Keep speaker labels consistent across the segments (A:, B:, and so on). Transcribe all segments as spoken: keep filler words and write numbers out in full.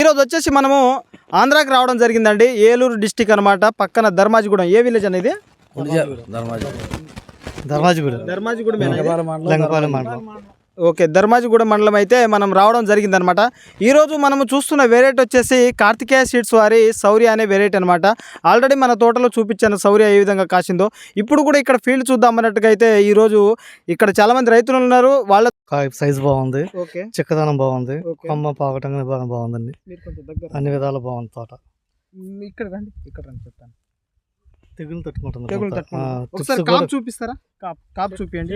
A: ఈరోజు వచ్చేసి మనము ఆంధ్రాకి రావడం జరిగిందండి. ఏలూరు డిస్టిక్ అనమాట. పక్కన ధర్మాజిగూడెం. ఏ విలేజ్ అనేది?
B: ధర్మాజిగూడెం.
A: ధర్మాజిగూడెం. ఓకే, ధర్మాజిగూడెం మండలం అయితే మనం రావడం జరిగిందనమాట. ఈరోజు మనము చూస్తున్న వెరైటీ వచ్చేసి కార్తికేయ సీడ్స్ వారి శౌర్య అనే వెరైటీ అనమాట. ఆల్రెడీ మన తోటలో చూపించాను శౌర్య ఏ విధంగా కాసిందో. ఇప్పుడు కూడా ఇక్కడ ఫీల్డ్ చూద్దాం అన్నట్టుగా అయితే ఈరోజు ఇక్కడ చాలా మంది రైతులు ఉన్నారు. వాళ్ళ
B: సైజ్ బాగుంది,
A: ఓకే,
B: చిక్కదనం బాగుంది, కొమ్మ పాకటం బాగుందండి. అన్ని విధాలు బాగుంది తోట.
A: ఇక్కడ రండి, ఇక్కడ రండి చెప్తాను.
B: తెగులు తట్టుకుంటుంది.
A: తెగులు తట్టుకుంటుంది. ఒకసారి కాపు చూపిస్తారా? కాపు కాపు చూపించండి.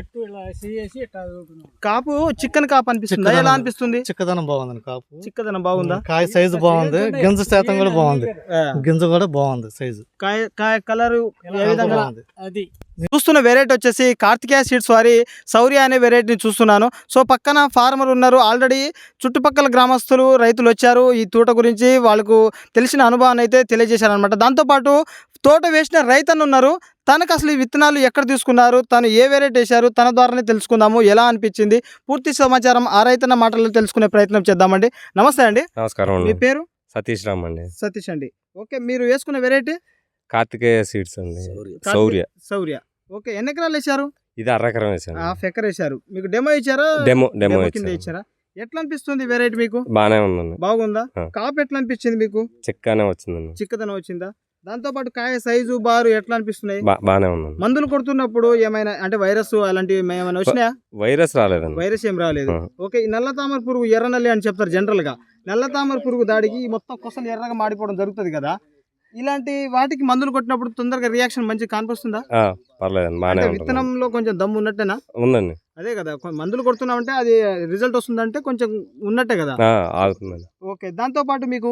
A: కాపు చికెన్ కాపు అనిపిస్తుంది. ఎలా అనిపిస్తుంది?
B: చిక్కదనం బాగుంది. కాపు చిక్కదనం
A: బాగుందా?
B: కాయ సైజు బాగుంది, గింజ శాతం కూడా బాగుంది. గింజ కూడా బాగుంది, సైజు
A: కాయ కాయ కలర్ ఏ విధంగా అది. చూస్తున్న వెరైటీ వచ్చేసి కార్తికేయ సీడ్స్ వారి శౌర్య అనే వెరైటీని చూస్తున్నాను. సో పక్కన ఫార్మర్ ఉన్నారు. ఆల్రెడీ చుట్టుపక్కల గ్రామస్తులు రైతులు వచ్చారు. ఈ తోట గురించి వాళ్ళకు తెలిసిన అనుభవాన్ని అయితే తెలియజేశారనమాట. దాంతోపాటు తోట వేసిన రైతన్న ఉన్నారు. తనకు అసలు ఈ విత్తనాలు ఎక్కడ తీసుకున్నారు, తను ఏ వెరైటీ వేశారు, తన ద్వారానే తెలుసుకుందాము. ఎలా అనిపించింది పూర్తి సమాచారం ఆ రైతన్న మాటల్లో తెలుసుకునే ప్రయత్నం చేద్దామండి. నమస్తే అండి.
C: నమస్కారం.
A: మీ పేరు?
C: సతీష్ రామ్ అండి.
A: సతీష్ అండి. ఓకే, మీరు వేసుకున్న వెరైటీ
C: కార్తికేయ సీడ్స్ అండి. శౌర్య.
A: శౌర్య. ఓకే, ఎన్ని ఎకరాలు వేశారు?
C: ఇది అర ఎకరం వేసాను.
A: హాఫ్ ఎకర్ వేశారు. మీకు డెమో ఇచ్చారా?
C: డెమో డెమో
A: కింద ఇచ్చారా? ఎట్లా అనిపిస్తుంది వెరైటీ మీకు?
C: బానే ఉందండి.
A: బాగుందా? కాపు ఎట్లా అనిపించింది మీకు?
C: చిక్కనే వచ్చిందండి.
A: చిక్కదనం వచ్చిందా? దాంతో పాటు కాయ సైజు బారు ఎట్లా అనిపిస్తున్నాయి?
C: బానే ఉందండి.
A: మందులు కొడుతున్నప్పుడు ఏమైనా అంటే వైరస్ అలాంటివి ఏమైనా వచ్చినాయా?
C: వైరస్ రాలేదండి.
A: వైరస్ ఏం రాలేదు. ఓకే, ఈ నల్ల తామర పురుగు ఎర్ర నల్లి అని చెప్తారు జనరల్ గా. నల్ల తామర పురుగు దాడికి మొత్తం కొసలు ఎర్రగా మాడిపోవడం జరుగుతుంది కదా. ఇలాంటి వాటికి మందులు కొట్టినప్పుడు తొందరగా రియాక్షన్ మంచి కనిపిస్తుందా?
C: పర్లేదండి.
A: విత్తనంలో కొంచెం దమ్ము ఉన్నట్టేనా?
C: ఉందండి.
A: అదే కదా, మందులు కొడుతున్నామంటే అది రిజల్ట్ వస్తుందంటే కొంచెం ఉన్నట్టే కదా.
C: ఆగుతుందండి.
A: ఓకే, దాంతో పాటు మీకు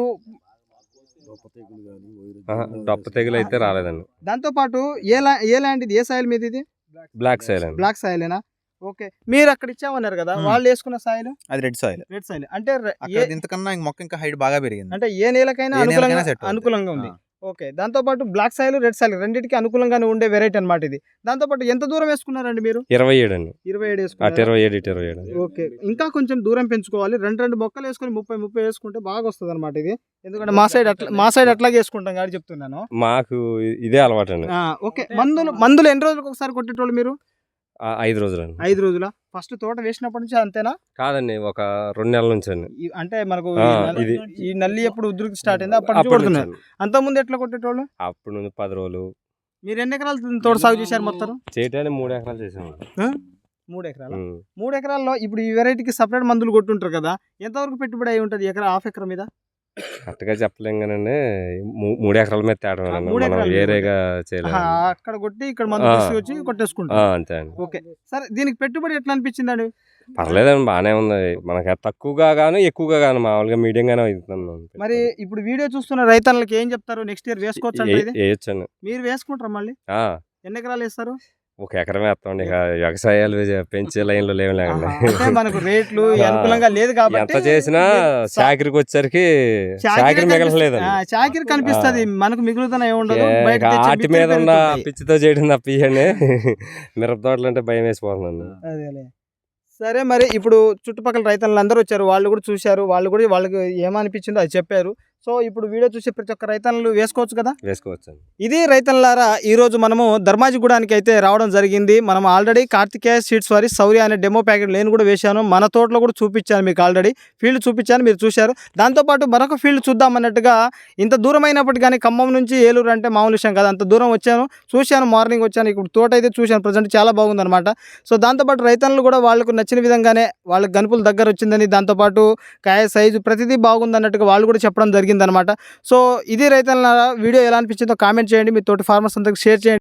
C: డొప్ప తెగులు అయితే రాలేదండి.
A: దాంతో పాటు ఏ ఏ ల్యాండ్ ఇది? ఏ సాయిల్ మీద ఇది?
C: Black soil.
A: బ్లాక్ సాయిలేనా? ఓకే, మీరు అక్కడ ఇచ్చామన్నారు కదా, వాళ్ళు వేసుకున్న సాయిల్
D: అది రెడ్ సాయిల్.
A: రెడ్ సాయిల్ అంటే
D: ఇంతకన్నా మొక్క ఇంకా హైట్ బాగా పెరిగింది.
A: అంటే ఏ నేలకైనా అనుకూలంగా అనుకూలంగా ఉంది. ఓకే, దాంతో పాటు బ్లాక్ సాయిల్ రెడ్ సాయిల్ రెండింటికి అనుకూలంగానే ఉండే వెరైటీ అనమాట ఇది. దాంతో పాటు ఎంత దూరం వేసుకున్నారండి మీరు?
C: ఇరవై ఏడు అండి.
A: ఇరవై ఏడు వేసుకున్నారు.
C: ఇరవై ఏడు ఇరవై ఏడు.
A: ఓకే, ఇంకా కొంచెం దూరం పెంచుకోవాలి. రెండు రెండు మొక్కలు వేసుకొని ముప్పై ముప్పై వేసుకుంటే బాగా వస్తుంది అనమాట ఇది. ఎందుకంటే మా సైడ్ అట్లా మా సైడ్ అట్లాగే వేసుకుంటాం కాబట్టి చెప్తున్నాను.
C: మాకు ఇదే అలవాటు అండి.
A: ఓకే, మందులు మందులు ఎన్ని రోజులకు ఒకసారి కొట్టేటోళ్ళు మీరు?
C: ఐదు రోజులు.
A: ఐదు రోజుల ఫస్ట్ తోట వేసినప్పటి నుంచి అంతేనా?
C: కాదండి, ఒక రెండు నెలల నుంచి అండి.
A: అంటే మనకు ఇది ఈ నల్లి ఎప్పుడు ఉధృతి స్టార్ట్ అయింది అప్పటి నుంచి కొడుతున్నారు. అంత ముందు ఎట్లా కొట్టేటోళ్ళు?
C: అప్పుడు నుంచి పది రోజులు.
A: మీరు ఎన్ని ఎకరాలు తోట సాగు చేశారు మొత్తం?
C: చేయటానికి మూడు ఎకరాలు చేసాము.
A: మూడు ఎకరాలు. మూడు ఎకరాల్లో ఇప్పుడు ఈ వెరైటీకి సపరేట్ మందులు కొట్టుంటారు కదా, ఎంతవరకు పెట్టుబడి అయి ఉంటుంది ఎకరా హాఫ్ ఎకరా మీద?
C: కరెక్ట్గా చెప్పలేం కానండి, మూడు ఎకరాల మీద తేడా వేరేగా చేయలేదు.
A: అక్కడ కొట్టి ఇక్కడ మందు తీసుకొచ్చి కొట్టేసుకుంటాం
C: అంతే అండి.
A: ఓకే, సరే, దీనికి పెట్టుబడి ఎట్లా అనిపించింది అండి?
C: పర్లేదండి, బాగానే ఉంది. మనకి తక్కువగా గాను ఎక్కువగా గాను మామూలుగా మీడియం గానే అవుతుంది.
A: మరి ఇప్పుడు వీడియో చూస్తున్న రైతులకి ఏం చెప్తారు? నెక్స్ట్ ఇయర్ వేసుకోవచ్చు?
C: వేయొచ్చండి.
A: మీరు వేసుకుంటారా మళ్ళీ? ఎన్ని ఎకరాలు వేస్తారు?
C: ఒక ఎకరం వేస్తాం. ఇక వ్యవసాయాలు పెంచే లైన్ లో లేవు లేకండి.
A: మనకు రేట్లు అనుకూలంగా లేదు కాబట్టి
C: ఎంత చేసినా చాకరికి వచ్చేసరికి చాకరి మిగలలేదు.
A: చాకరి కనిపిస్తుంది, మనకు మిగులుతున్న ఏముండదు.
C: ఆటి మీద ఉన్న పిచ్చితో చేయడం తప్పియండి. మిరప తోటలు అంటే భయం వేసిపోతుందండి.
A: అదేలే. సరే, మరి ఇప్పుడు చుట్టుపక్కల రైతులు అందరూ వచ్చారు, వాళ్ళు కూడా చూశారు, వాళ్ళు కూడా వాళ్ళకి ఏమనిపించిందో అది చెప్పారు. సో ఇప్పుడు వీడియో చూసే ప్రతి ఒక్క రైతన్నలు వేసుకోవచ్చు కదా?
C: వేసుకోవచ్చు.
A: ఇది రైతన్నలారా, ఈరోజు మనము ధర్మాజిగూడానికి అయితే రావడం జరిగింది. మనం ఆల్రెడీ కార్తికేయ సీడ్స్ వారి శౌర్య అనే డెమో ప్యాకెట్ నేను కూడా వేశాను. మన తోటలో కూడా చూపించాను మీకు, ఆల్రెడీ ఫీల్డ్ చూపించాను, మీరు చూశారు. దాంతోపాటు మరొక ఫీల్డ్ చూద్దామన్నట్టుగా ఇంత దూరం అయినప్పటికీ కానీ ఖమ్మం నుంచి ఏలూరు అంటే మామూలు విషయం కదా, అంత దూరం వచ్చాను, చూశాను, మార్నింగ్ వచ్చాను. ఇప్పుడు తోట అయితే చూశాను, ప్రజెంట్ చాలా బాగుందన్నమాట. సో దాంతోపాటు రైతన్నలు కూడా వాళ్ళకు నచ్చిన విధంగానే వాళ్ళకి గనుపులు దగ్గర వచ్చిందని, దాంతోపాటు కాయ సైజు ప్రతిదీ బాగుందన్నట్టుగా వాళ్ళు కూడా చెప్పడం జరిగింది అనమాట. సో ఇది రైతుల వీడియో ఎలా అనిపించిందో కామెంట్ చేయండి, మీ తోటి ఫార్మర్స్ అందరికి షేర్ చేయండి.